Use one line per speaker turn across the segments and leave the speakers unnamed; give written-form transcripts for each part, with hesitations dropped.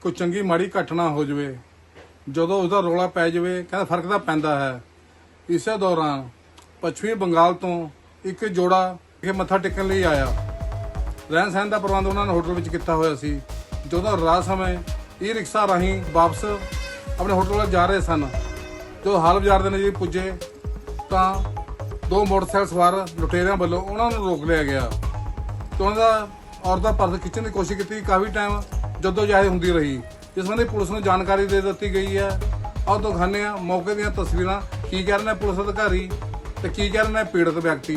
कोई चंगी माड़ी घटना हो जाए, ਜਦੋਂ उसका रौला पै जाए, कहता फर्क तो पैंदा है। इसे दौरान पश्चिमी बंगाल तो एक जोड़ा मत्था टेकन लिए आया। रहन सहन का प्रबंध उन्होंने होटल में किया होया सी। ਜਦੋਂ रात समय ई रिक्शा राही वापस अपने होटल वाल जा रहे सन, जो हाल बाजार के नज़दीक पुजे तो दो मोटरसाइकिल सवार लुटेरिया वालों उन्होंने रोक लिया गया। तो उन्होंने औरत का पर्स खिंचने की कोशिश की। काफ़ी टाइम जद्दोजहद होंदी रही, जिस संबंधी पुलिस को जानकारी दे दी गई है। और दिखाने मौके दी तस्वीर की कह रहे हैं पुलिस अधिकारी तो की कह रहे हैं पीड़ित व्यक्ति।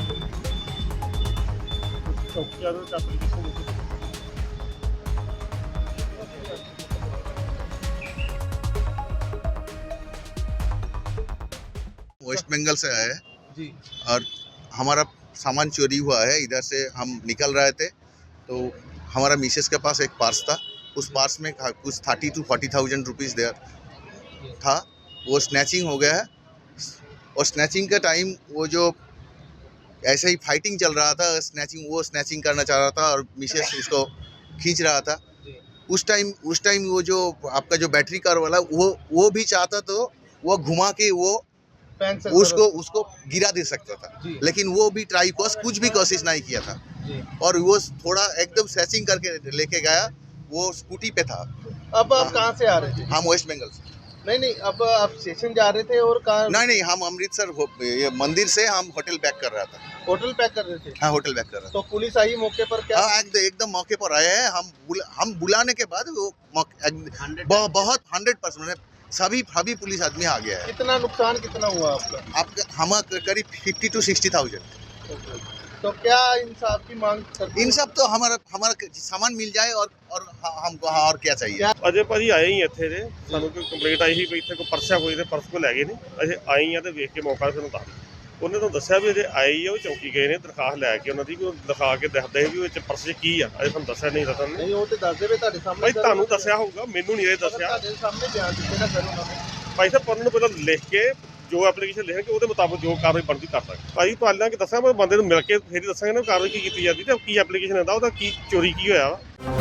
वेस्ट बंगाल से आए हैं
जी।
और हमारा सामान चोरी हुआ है। इधर से हम निकल रहे थे तो हमारा मिसेस के पास एक पर्स था। उस पर्स में कुछ 30 to 40,000 रुपीज़ देयर था। वो स्नैचिंग हो गया है। और स्नैचिंग का टाइम वो जो ऐसे ही फाइटिंग चल रहा था, वो स्नैचिंग करना चाह रहा था और मिसेस उसको खींच रहा था। उस टाइम वो जो आपका जो बैटरी कार वाला वो भी चाहता तो वो घुमा के वो उसको गिरा दे सकता था, लेकिन वो भी कुछ भी कोशिश नहीं किया था। और वो थोड़ा एकदम सैचिंग करके लेके गया। वो स्कूटी पे था।
अब आप कहाँ से आ रहे थे?
हम वेस्ट बंगाल से।
नहीं, अब आप स्टेशन जा रहे थे और कहाँ?
नहीं, हम अमृतसर ये मंदिर से हम होटल बैक कर रहा था।
होटल पैक कर रहे थे?
हाँ, होटल बैक कर रहा था।
तो पुलिस आई मौके पर क्या?
हाँ, एकदम मौके पर आए हैं। हम बुलाने के बाद वो बहुत 100% सभी पुलिस आदमी आ गया है।
कितना नुकसान कितना हुआ आपका?
हम करीब 50 to 60,000।
तो क्या इंसाफ की मांग करते?
इंसाफ तो हमारा सामान मिल जाए और हमको और क्या चाहिए।
ਅਜੇ ਭਾਜੀ ਆਏ ਹੀ ਇੱਥੇ ਦੇ ਸਾਨੂੰ ਕੋਈ ਕੰਪਲੇਂਟ ਆਈ ਸੀ ਵੀ ਇੱਥੇ ਕੋਈ ਪਰਸਿਆ ਹੋਈ ਤੇ ਪਰਸ ਕੋ ਲੈ ਗਏ ਨੇ। ਅਸੀਂ ਆਏ ਆ ਤੇ ਵੇਖ ਕੇ ਮੌਕਾ ਸਾਨੂੰ ਦੱਸ ਉਹਨੇ ਤਾਂ ਦੱਸਿਆ ਵੀ ਅਜੇ ਆਏ ਹੀ ਆ, ਉਹ ਚੌਕੀ ਗਏ ਨੇ ਦਰਖਾਸਤ ਲੈ ਕੇ ਉਹਨਾਂ ਦੀ, ਕੋਈ ਦਿਖਾ ਕੇ ਦੱਸਦੇ ਵੀ ਉਹ ਚ ਪਰਸ 'ਚ ਕੀ ਆ। ਅਜੇ ਤੁਹਾਨੂੰ ਦੱਸਿਆ ਨਹੀਂ ਰਤਨ ਨੇ।
ਨਹੀਂ, ਉਹ ਤੇ ਦੱਸਦੇ ਵੇ ਤੁਹਾਡੇ ਸਾਹਮਣੇ।
ਭਾਈ ਤੁਹਾਨੂੰ ਦੱਸਿਆ ਹੋਊਗਾ, ਮੈਨੂੰ ਨਹੀਂ ਇਹ ਦੱਸਿਆ।
ਤੁਹਾਡੇ ਸਾਹਮਣੇ ਬਿਆਨ ਦਿੱਤੇ ਨਾ ਕਰੋ ਉਹਨਾਂ ਨੇ।
ਭਾਈ ਸਾਹਿਬ ਉਹਨਾਂ ਨੂੰ ਪਹਿਲਾਂ ਲਿਖ ਕੇ ਜੋ ਐਪਲੀਕੇਸ਼ਨ ਲਿਖਣਗੇ ਉਹਦੇ ਮੁਤਾਬਕ ਜੋ ਕਾਰਵਾਈ ਬਣਦੀ ਕਰ ਦਾਂਗੇ। ਭਾਈ ਪਹਿਲਾਂ ਕਿ ਦੱਸਾਂ ਮੈਂ ਬੰਦੇ ਨੂੰ ਮਿਲ ਕੇ ਫੇਰ ਹੀ ਦੱਸਾਂਗੇ ਨਾ ਕਾਰਵਾਈ ਕੀ ਕੀਤੀ ਜਾਂਦੀ ਤੇ ਕੀ ਐਪਲੀਕੇਸ਼ਨ ਆਉਂਦਾ ਉਹਦਾ ਕੀ ਚੋਰੀ ਕੀ ਹੋਇਆ ਵਾ।